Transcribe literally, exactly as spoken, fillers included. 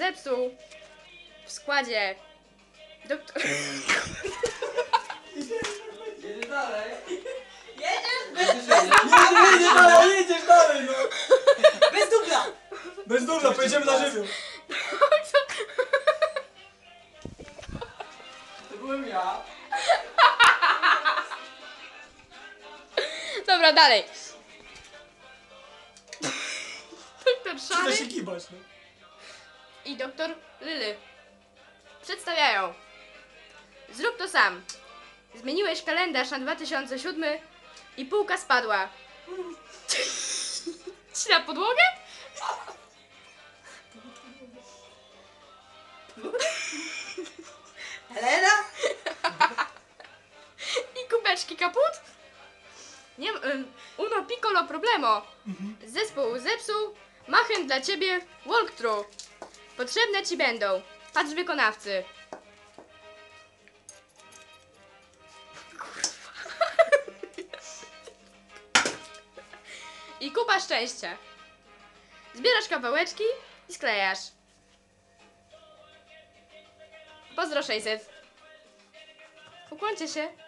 zepsuł w składzie doktor... Jedziesz dalej. Jedziesz bez, Jedziesz, bez, jedziesz, Jedziesz dalej, jedziesz dalej, no! bez dubla! Bez dubla, pojedziemy na żywioł. To byłem ja. Dobra, dalej. Doktor Przyda Szary się kibać, no. i doktor Lily przedstawiają. Zrób to sam. Zmieniłeś kalendarz na dwa tysiące siódmy i półka spadła. Ci na podłogę? Helena? I kubeczki kaput? Nie, um, uno piccolo problemo. Zespół zepsuł, machem dla ciebie walkthrough. Potrzebne ci będą. Patrz wykonawcy. I kupa szczęścia. Zbierasz kawałeczki i sklejasz. Pozdro sześćset. Ukłoncie się.